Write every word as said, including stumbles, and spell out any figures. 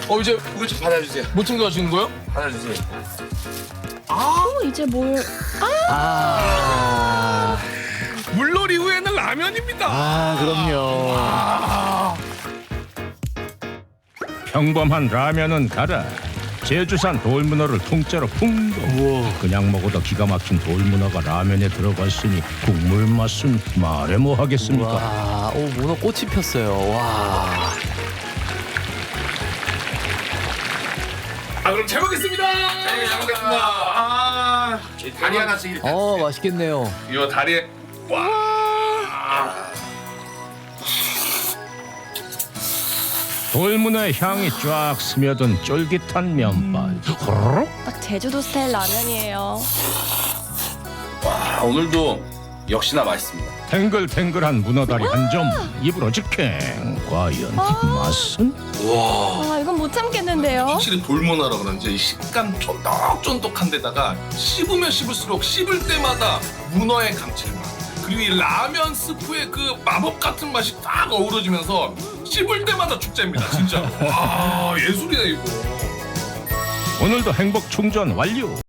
어 이제 이거 좀 받아주세요. 모팅 도와주는 거요? 받아주세요. 어, 이제 뭘? 아, 물놀이 후에는 라면입니다. 아 그럼요. 평범한 라면은 가라. 제주산 돌문어를 통째로 풍덩. 그냥 먹어도 기가 막힌 돌문어가 라면에 들어갔으니 국물 맛은 말해 뭐 하겠습니까. 와, 오 문어 꽃이 폈어요. 와. 아 그럼 잘 먹겠습니다. 네, 잘 먹겠습니다. 아, 이 다리 하나씩 이렇게. 어 맛있겠네요. 이거 다리에 와. 돌문어의 향이 쫙 스며든 쫄깃한 면발. 호로록. 딱 제주도 스타일 라면이에요. 와, 오늘도 역시나 맛있습니다. 탱글탱글한 문어다리 한 점 입으로 직행. 과연 맛은? 와, 아, 이건 못 참겠는데요. 확실히 돌문어라 그런지 이 식감 쫀득쫀득한 데다가 씹으면 씹을수록 씹을 때마다 문어의 감칠맛 그리고 이 라면 스프의 그 마법 같은 맛이 딱 어우러지면서 씹을 때마다 축제입니다 진짜. 와 예술이다 이거. 오늘도 행복 충전 완료.